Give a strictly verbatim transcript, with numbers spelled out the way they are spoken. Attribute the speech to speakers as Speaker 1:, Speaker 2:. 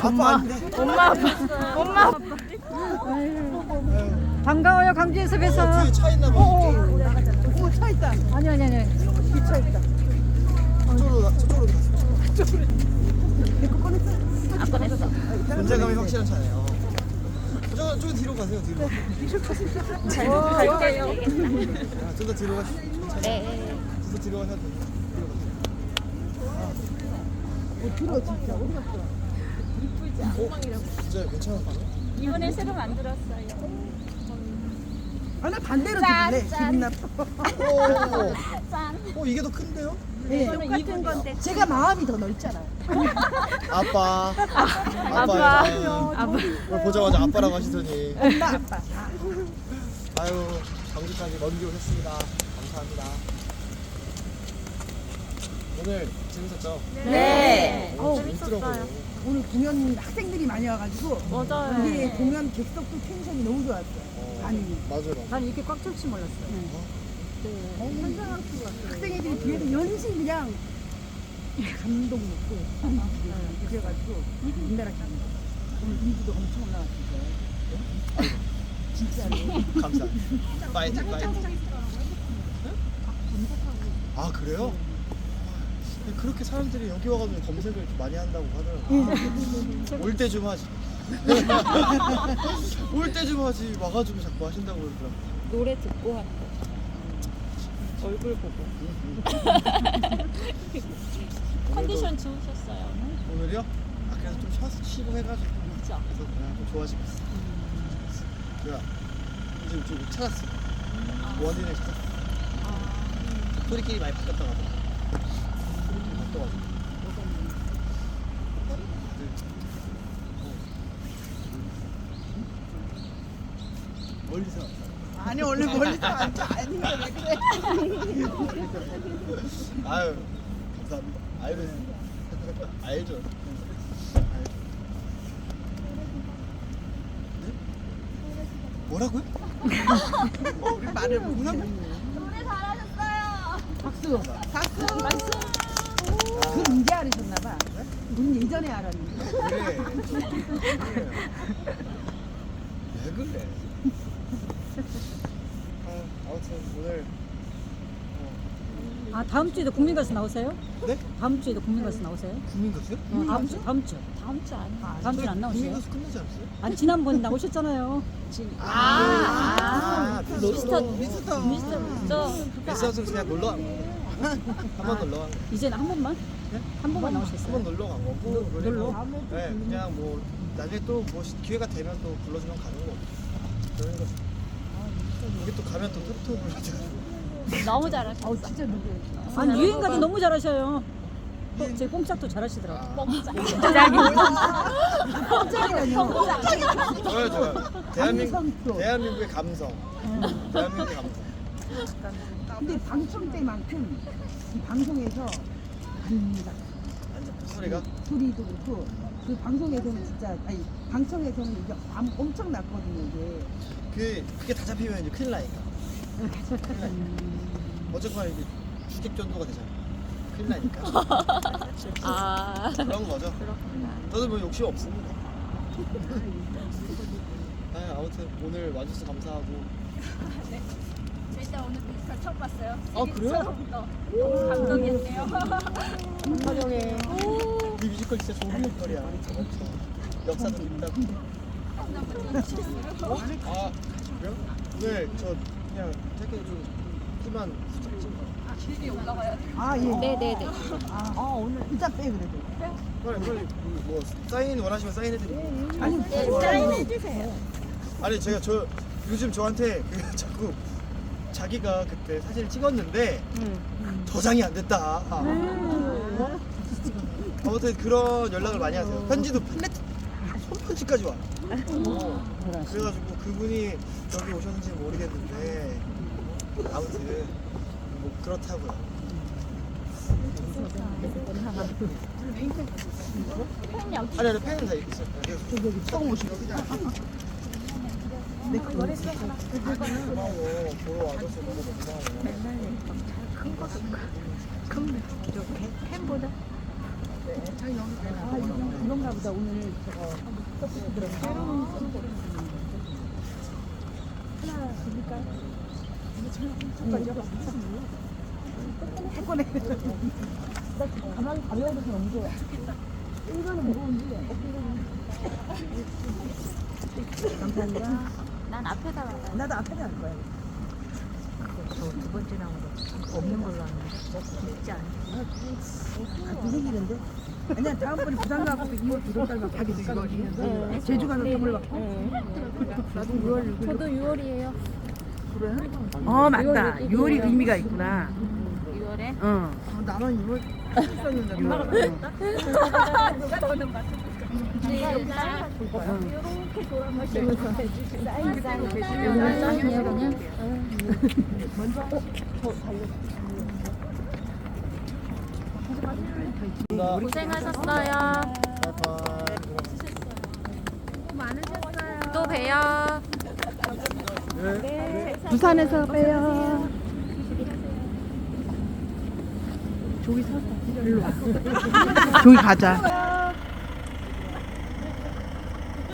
Speaker 1: 아빠 아닌데?
Speaker 2: 엄마 아빠. 엄마 아빠.
Speaker 3: 반가워요 강주에서 뵈서.
Speaker 1: 어, 뒤에 차 있나 봐.
Speaker 3: 오, 차 있다. 아니 아니 아니. 차 있다.
Speaker 1: 저쪽으로 가, 저쪽으로 갔어.
Speaker 2: 안 꺼냈어.
Speaker 1: 존재감이 확실한 차네요. 저, 저 뒤로 가세요, 뒤로.
Speaker 2: 갈게요.
Speaker 1: 아, 좀 더 뒤로 가시.
Speaker 2: 네.
Speaker 1: 좀 더 뒤로 가셔도 돼요. 뒤로 가세요.
Speaker 3: 들어 진짜. 어디 갔어?
Speaker 1: 어? 진짜 괜찮은 거 같아요?
Speaker 2: 이번에 새로 만들었어요.
Speaker 3: 아, 나 반대로
Speaker 2: 짠,
Speaker 3: 들래.
Speaker 2: 짠.
Speaker 3: 기분 나빠.
Speaker 1: 오,
Speaker 2: 짠.
Speaker 1: 어, 이게 더 큰데요?
Speaker 3: 네.
Speaker 2: 똑같은 건데.
Speaker 3: 제가 마음이 더 넓잖아요.
Speaker 1: 아빠.
Speaker 2: 아빠.
Speaker 1: 아빠예요.
Speaker 2: 아빠.
Speaker 1: 오늘 보자마자 아빠라고 하시더니.
Speaker 3: 엄마 아빠.
Speaker 1: 아유, 광주까지 먼 길 오셨습니다. 감사합니다. 오늘 재밌었죠?
Speaker 2: 네.
Speaker 1: 오, 재밌더라고요.
Speaker 3: 오늘 공연 학생들이 많이 와가지고
Speaker 2: 맞아요.
Speaker 3: 우리 공연 객석도 텐션이 너무 좋았어요.
Speaker 1: 어,
Speaker 3: 반응이.
Speaker 1: 맞아요. 맞아요.
Speaker 3: 난 이렇게 꽉 찰지 몰랐어요. 학생애들이 뒤에서 연신 그냥 감동 먹고 그래가지고 인나라 기분. 오늘 인기도 엄청 올라왔어요. 진짜로.
Speaker 1: 감사합니다. 파이팅, 파이팅. 아, 그래요? 그렇게 사람들이 여기 와가지고 검색을 좀 많이 한다고 하더라고요. 올 때 좀 하지. 올 때 좀 하지. 와가지고 자꾸 하신다고 그러더라고요.
Speaker 2: 노래 듣고 하는 거. 얼굴 보고. 컨디션 좋으셨어요.
Speaker 1: 오늘이요? 아, 그래서 좀 쉬어서 쉬고 해가지고.
Speaker 2: 그죠?
Speaker 1: 그래서 그냥 좀 좋아지고 있어. 제가 이제 좀 찾았어. 원인을 찾았어. 소리끼리 많이 바뀌었다고 하더라고. 소리끼리 바뀌어가지고. 멀리서 왔다.
Speaker 3: 아니 원래 멀리서 앉아 아니면 왜 그래?
Speaker 1: 아유, 감사합니다. 알고 있습니다. 알죠. 알죠. 네? 뭐라고요? 어, 우리 말을 뭐라고?
Speaker 2: 노래 잘하셨어요.
Speaker 3: 박수. 박수. 박수. 그건 이제 알으셨나봐. 우린 예전에 알았는데.
Speaker 1: 그래. 그래. 왜 그래? 아, 아무튼 오늘
Speaker 4: 아 다음 주에도 국민가수 나오세요?
Speaker 1: 네?
Speaker 4: 다음 주에도 국민가수 나오세요?
Speaker 1: 국민가수요?
Speaker 4: 어, 다음 주 다음 주
Speaker 2: 다음 주 아니에요.
Speaker 4: 다음 주에 안 나오세요?
Speaker 1: 국민가수 끝나지 않았어요?
Speaker 4: 아니 지난번 나오셨잖아요.
Speaker 2: 아,
Speaker 1: 아,
Speaker 2: 미스터
Speaker 1: 미스터
Speaker 2: 미스터 저
Speaker 1: 미스터 그냥 놀러 간 거예요. 한 번 놀러 간 거예요.
Speaker 4: 이제는 한 번만
Speaker 1: 네?
Speaker 4: 한 번만
Speaker 1: 한
Speaker 4: 나오셨어요.
Speaker 1: 번 놀러 간 거고 그리고
Speaker 4: 놀러?
Speaker 1: 네, 그냥 뭐 나중에 또 뭐 기회가 되면 또 불러주면 가는 거고 그런 거죠. 여기 또 가면 또 토토 불러줘가지고
Speaker 2: 너무 잘하셨어요.
Speaker 3: 어 진짜 누구?
Speaker 4: 아니 유행가도 너무 잘하셔요. 또 제 뽕짝도 잘하시더라고요.
Speaker 1: 좋아요 좋아요. 대한민국
Speaker 3: 감성도.
Speaker 1: 대한민국의 감성. 대한민국의 감성.
Speaker 3: 근데 방청 때만큼 이 방송에서 안다.
Speaker 1: 완전 소리가
Speaker 3: 소리도 그렇고 그 방송에서는 진짜 아니 방청에서는 이게 암- 엄청 났거든요 이게.
Speaker 1: 그 그게 다 잡히면 이제 큰일 나니까. 큰일 나니까. 어쨌거나 이게 주객 전도가 되잖아. 큰일 나니까.
Speaker 2: 아,
Speaker 1: 그런 거죠.
Speaker 2: 그렇구나.
Speaker 1: 저도 뭐 욕심 없습니다. 아, 아무튼 오늘 와주셔서 감사하고.
Speaker 2: 저 일단 오늘 뮤지컬 처음 봤어요.
Speaker 1: 아, 그래요?
Speaker 2: 처음부터 너무 감동이었네요.
Speaker 1: 촬영해. 이 뮤지컬 진짜 좋은 뮤지컬이야. 역사도 있다고. 어? 아, 그래요? 네, 저 그냥 짧게 좀 키만 후딱 찍은
Speaker 3: 아 예.
Speaker 2: 네네네.
Speaker 3: 아, 아 오늘 일단 빼 그래도.
Speaker 1: 빨리 빨리 뭐 사인 원하시면 사인해드리고.
Speaker 3: 아니
Speaker 2: 네, 사인해주세요.
Speaker 1: 아니 제가 저 요즘 저한테 그 자꾸 자기가 그때 사진을 찍었는데 저장이 안 됐다. 아무튼 그런 연락을 많이 하세요. 편지도 편지 손편지까지 와. 어, 그래가지고 그분이 여기 오셨는지 모르겠는데 아무튼 뭐 그렇다고요.
Speaker 2: 팬 여기.
Speaker 1: 아니 아니 팬은 다 있어요. 여기 처음 오시고.
Speaker 3: 내 그거
Speaker 1: 고마워. 보러 와줘서 너무 고마워.
Speaker 2: 팬보다.
Speaker 3: 아, 이건 그런가 보다. 오늘 저거 떡볶이 들어가. 하나 드릴까요? 조금만 가만히 가벼워서 너무 좋아. 이거는 무거운데. 감사합니다.
Speaker 2: 난 앞에다 가.
Speaker 3: 나도 앞에다 할 거야.
Speaker 2: 저두 번째 나온 거 없는 걸로 하는데 진짜 안
Speaker 3: 같은 생기는데? 아니야, 다음번에 부산 가고 이월 두 달만 가게 되거든요. 제주 가서 선물 받고. 나도 유월.
Speaker 2: 저도 유월이에요.
Speaker 3: 그래? 어, 맞다. 유월이 의미가 있구나.
Speaker 2: 유월에
Speaker 3: 어. 나는 유월 했었는데. 유월.
Speaker 2: 이렇게 돌아마시면서 해주시면 짱이에요 그냥.
Speaker 3: 먼저 어, 저 달려.
Speaker 2: 고생하셨어요. 또 봬요.
Speaker 3: 부산에서 봬요. 저기 서 일로 와. 저기 가자.